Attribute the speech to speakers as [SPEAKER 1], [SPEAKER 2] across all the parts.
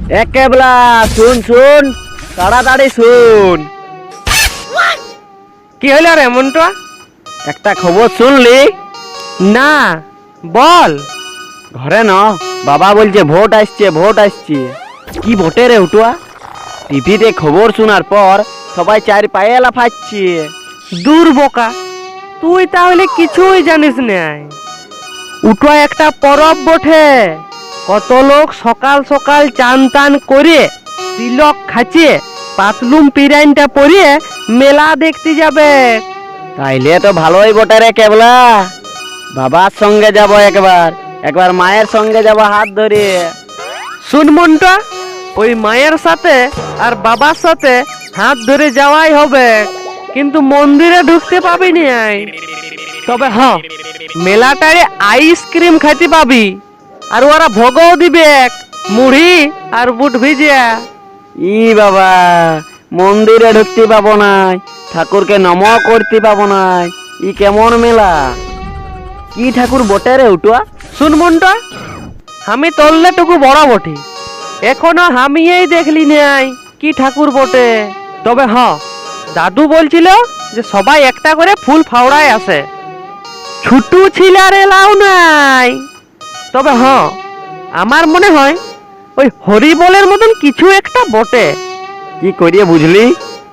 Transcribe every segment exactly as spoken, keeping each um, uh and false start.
[SPEAKER 1] একেবলা শুন শুন, তাড়াতাড়ি শুন।
[SPEAKER 2] কি হলো রে মন্টুয়া?
[SPEAKER 1] একটা খবর শুনলি?
[SPEAKER 2] না, বল।
[SPEAKER 1] ঘরে ন বাবা বলছে ভোট আসছে ভোট আসছে। কি ভোটে রে উঠুয়া? টিভিতে খবর শোনার পর সবাই চার পায়ে লাফাচ্ছে।
[SPEAKER 2] দূর বোকা, তুই তাহলে কিছুই জানিস নাই। উঠোয়া একটা পরব বটে। কত লোক সকাল সকাল চান টান করে তিলক খাচ্ছে পাতলুম পিরাইনটা পরিয়ে মেলা দেখতে যাবে।
[SPEAKER 1] তাইলে তো ভালোই বটে রে কেবলা। বাবার সঙ্গে যাব একবার, একবার মায়ের সঙ্গে যাব হাত ধরে।
[SPEAKER 2] শুন মন্টুয়া, ওই মায়ের সাথে আর বাবার সাথে হাত ধরে যাওয়াই হবে, কিন্তু মন্দিরে ঢুকতে পাবি নি। তবে হ্যাঁ, মেলাটারে আইসক্রিম খাইতে পাবি, আর ওরা ভোগও দিবে মুড়ি আর বুট ভিজিয়া।
[SPEAKER 1] ই বাবা, মন্দিরে ঢুকতে পাবো নাই, ঠাকুরকে নম করতে পাবো নাই, ই কেমন মেলা? কি ঠাকুর বটে রে উঠুয়া?
[SPEAKER 2] শুন মন্টুয়া, আমি তললে টুকু বড় বটে, এখনো আমিই দেখলি নাই কি ঠাকুর বটে। তবে হ্যাঁ, দাদু বলছিল যে সবাই একটা করে ফুল ফাওড়ায় আসে, ছুটু ছিলার এলাও নাই। তবে হ্যাঁ, আমার মনে হয় ওই হরিবলের মতন কিছু একটা বটে।
[SPEAKER 1] কি করিয়ে বুঝলি?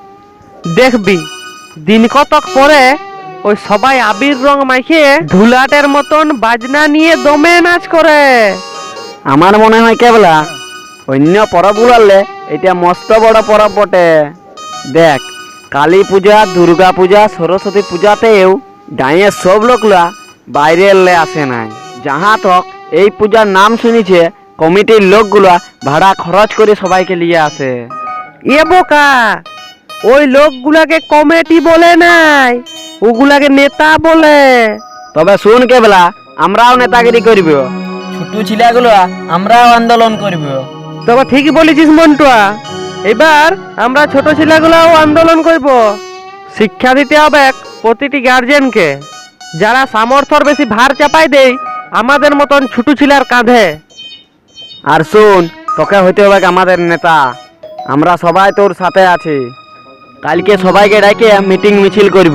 [SPEAKER 2] দেখবি দিন কতক পরে ওই সবাই আবির রং মাখিয়ে ধুলাটের মতন বাজনা নিয়ে দমে নাচ করে।
[SPEAKER 1] আমার মনে হয় কেবলা অন্য পরব গুলালে এটা মস্ত বড় পরব বটে। দেখ, কালী পূজা, দুর্গা পূজা, সরস্বতী পূজাতেও গাঁয়ের সব লোকলা বাইরে এলে আসে নাই। যাহা তক এই পূজার নাম শুনেছে, কমিটির লোকগুলা ভাড়া খরচ করে সবাইকে নিয়ে আসে।
[SPEAKER 2] এ বোকা, ওই লোকগুলাকে কমিটি বলে নাই, ওগুলাকে নেতা বলে।
[SPEAKER 1] তবে শুন কেবলা, আমরাও নেতাগিরি করব, ছোট ছিলাগুলো আমরাও আন্দোলন করব।
[SPEAKER 2] তবে ঠিকই বলেছিস মন্টুয়া, এবার আমরা ছোট ছেলেগুলাও আন্দোলন করব। শিক্ষা দিতে হবে প্রতিটি গার্জেনকে, যারা সামর্থ্যর বেশি ভার চাপাই দেয় আমাদের মতন ছোট ছেলের কাঁধে।
[SPEAKER 1] আর শুন, তোকে হইতে হবে আমাদের নেতা, আমরা সবাই তোর সাথে আছি। কালকে সবাইকে ডাকে মিটিং মিছিল করব।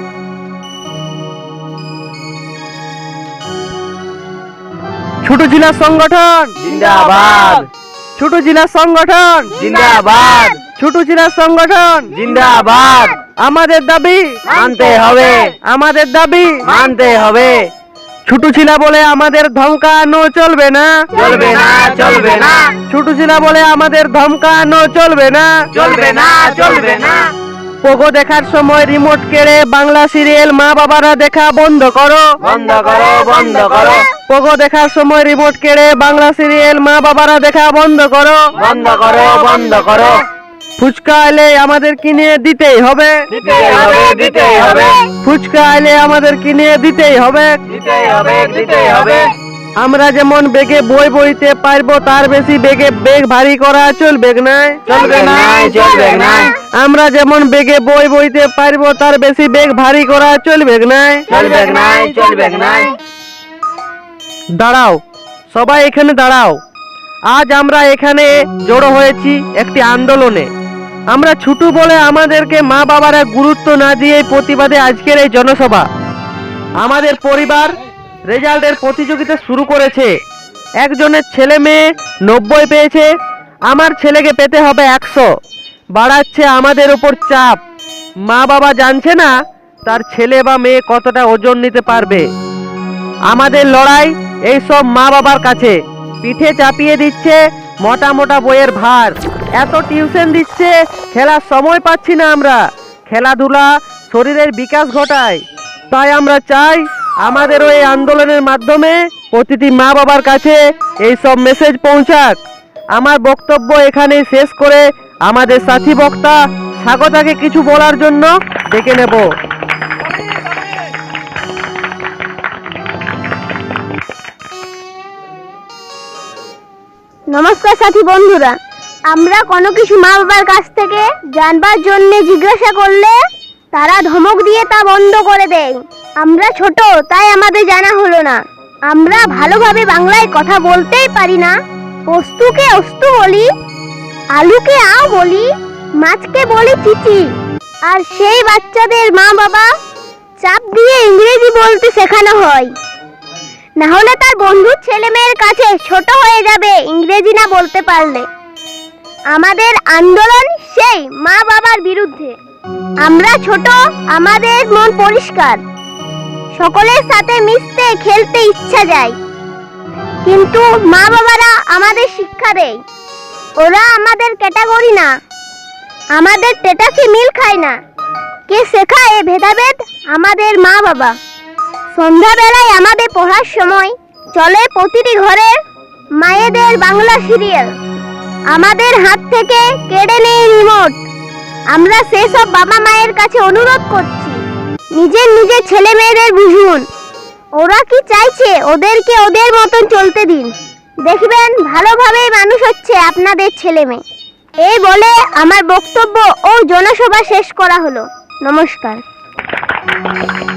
[SPEAKER 2] ছোট জেলা সংগঠন
[SPEAKER 1] জিন্দাবাদ,
[SPEAKER 2] ছোট জেলা সংগঠন
[SPEAKER 1] জিন্দাবাদ,
[SPEAKER 2] ছোট জেলা সংগঠন
[SPEAKER 1] জিন্দাবাদ।
[SPEAKER 2] আমাদের দাবি
[SPEAKER 1] মানতে হবে,
[SPEAKER 2] আমাদের দাবি
[SPEAKER 1] মানতে হবে।
[SPEAKER 2] ছোট ছিলা বলে আমাদের ধমকানো চলবে না,
[SPEAKER 1] চলবে না, চলবে না,
[SPEAKER 2] ছোট ছিলা বলে আমাদের ধমকানো চলবে না,
[SPEAKER 1] চলবে না, চলবে না।
[SPEAKER 2] পোগো দেখার সময় রিমোট কেড়ে বাংলা সিরিয়াল মা বাবারা দেখা বন্ধ করো,
[SPEAKER 1] বন্ধ করো, বন্ধ করো,
[SPEAKER 2] পোগো দেখার সময় রিমোট কেড়ে বাংলা সিরিয়াল মা বাবারা দেখা বন্ধ করো,
[SPEAKER 1] বন্ধ করো, বন্ধ করো।
[SPEAKER 2] ফুচকা এলে আমাদের কিনে দিতেই হবে,
[SPEAKER 1] দিতেই হবে, দিতেই হবে,
[SPEAKER 2] ফুচকা এলে আমাদের কিনে দিতেই হবে।
[SPEAKER 1] দিতেই হবে, দিতেই হবে।
[SPEAKER 2] আমরা যেমন বেগে বই বইতে পারবো, তার বেশি বেগে বেগ ভারী করা চলবে না,
[SPEAKER 1] চলবে না, চলবে না,
[SPEAKER 2] আমরা যেমন বেগে বই বইতে পারবো, তার বেশি বেগ ভারী করা চলবে না।
[SPEAKER 1] চলবে না, চলবে না।
[SPEAKER 2] দাঁড়াও, সবাই এখানে দাঁড়াও। আজ আমরা এখানে জড়ো হয়েছি একটি আন্দোলনে। আমরা ছোট বলে আমাদেরকে মা বাবারা গুরুত্ব না দিয়ে প্রতিবাদে আজকের এই জনসভা। আমাদের পরিবার রেজাল্টের প্রতিযোগিতা শুরু করেছে। একজনের ছেলে মেয়ে নব্বই পেয়েছে, আমার ছেলেকে পেতে হবে একশো। বাড়াচ্ছে আমাদের উপর চাপ। মা বাবা জানছে না তার ছেলে বা মেয়ে কতটা ওজন নিতে পারবে। আমাদের লড়াই এই সব মা বাবার কাছে। পিঠে চাপিয়ে দিচ্ছে মোটা মোটা বইয়ের ভার, এত টিউশন দিচ্ছে, খেলার সময় পাচ্ছি না আমরা। খেলাধুলা শরীরের বিকাশ ঘটায়, তাই আমরা চাই আমাদের এই আন্দোলনের মাধ্যমে প্রতিটি মা বাবার কাছে এই সব মেসেজ পৌঁছাক। আমার বক্তব্য এখানেই শেষ করে আমাদের সাথী বক্তা স্বাগতাকে কিছু বলার জন্য ডেকে নেব।
[SPEAKER 3] নমস্কার সাথী বন্ধুরা, আমরা কোনো কিছু মা বাবার কাছ থেকে জানবার জন্য জিজ্ঞাসা করলে তারা ধমক দিয়ে তা বন্ধ করে দেয়। আমরা ছোট, তাই আমাদের জানা হলো না। আমরা ভালোভাবে বাংলায় কথা বলতেই পারি না, পোস্তুকে অস্তু বলি, আলুকে আও বলি, মাছকে বলি চিচি। আর সেই বাচ্চাদের মা বাবা চাপ দিয়ে ইংরেজি বলতে শেখানো হয়, না হলে তার বন্ধুর ছেলে মেয়ের কাছে ছোট হয়ে যাবে ইংরেজি না বলতে পারলে। আমাদের আন্দোলন সেই মা বাবার বিরুদ্ধে। আমরা ছোট, আমাদের মন পরিষ্কার, সকলের সাথে মিশতে খেলতে ইচ্ছা যায়, কিন্তু মা বাবারা আমাদের শিক্ষা দেয়। ওরা আমাদের ক্যাটাগরি না, আমাদের স্ট্যাটাসে মিল খায় না। কে শেখায় এ ভেদাভেদ? আমাদের মা বাবা। সন্ধ্যাবেলায় আমাদের পড়ার সময় চলে প্রতিটি ঘরে মায়েদের বাংলা সিরিয়াল। আমাদের হাত থেকে কেড়ে নেই রিমোট। আমরা সেসব বাবা মায়ের কাছে অনুরোধ করছি, নিজের নিজের ছেলে মেয়েদের বুঝুন। ওরা কি চাইছে ওদেরকে ওদের মতন চলতে দিন, দেখবেন ভালোভাবেই মানুষ হচ্ছে আপনাদের ছেলে মেয়ে। এই বলে আমার বক্তব্য ও জনসভা শেষ করা হলো। নমস্কার।